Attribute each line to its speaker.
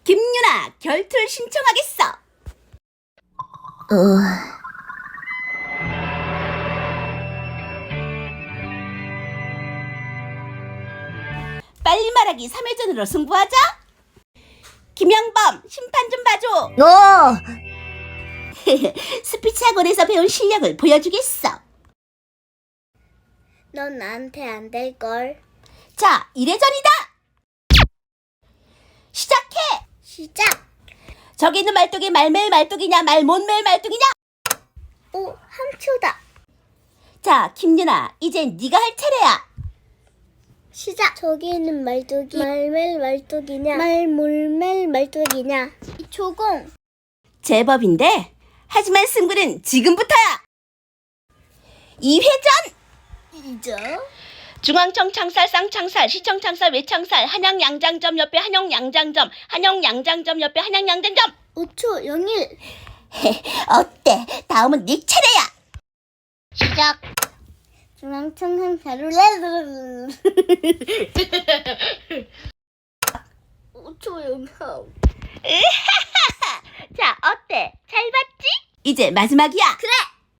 Speaker 1: 김유나, 결투를 신청하겠어. 빨리 말하기 3회전으로 승부하자. 김영범, 심판 좀 봐줘. 스피치 학원에서 배운 실력을 보여주겠어.
Speaker 2: 넌 나한테 안 될걸.
Speaker 1: 자, 1회전이다. 시작해.
Speaker 2: 시작.
Speaker 1: 저기 있는 말뚝이 말매일 말뚝이냐 말못매일 말뚝이냐.
Speaker 2: 오, 3초다.
Speaker 1: 자, 김유나, 이젠 네가 할 차례야.
Speaker 2: 시작. 저기 있는 말뚝이 말멜 말뚝이냐 말몰멜 말뚝이냐. 조공.
Speaker 1: 제법인데, 하지만 승부는 지금부터야. 2회전.
Speaker 2: 이죠.
Speaker 1: 중앙청 창살, 쌍창살, 시청 창살, 외창살, 한양 양장점 옆에 한영 양장점, 한영 양장점 옆에 한양 양장점.
Speaker 2: 5초 01.
Speaker 1: 어때? 다음은 네 차례야.
Speaker 2: 시작. 중앙청 상사로 5초 0.
Speaker 1: 자, 어때? 잘 봤지? 이제 마지막이야.
Speaker 2: 그래.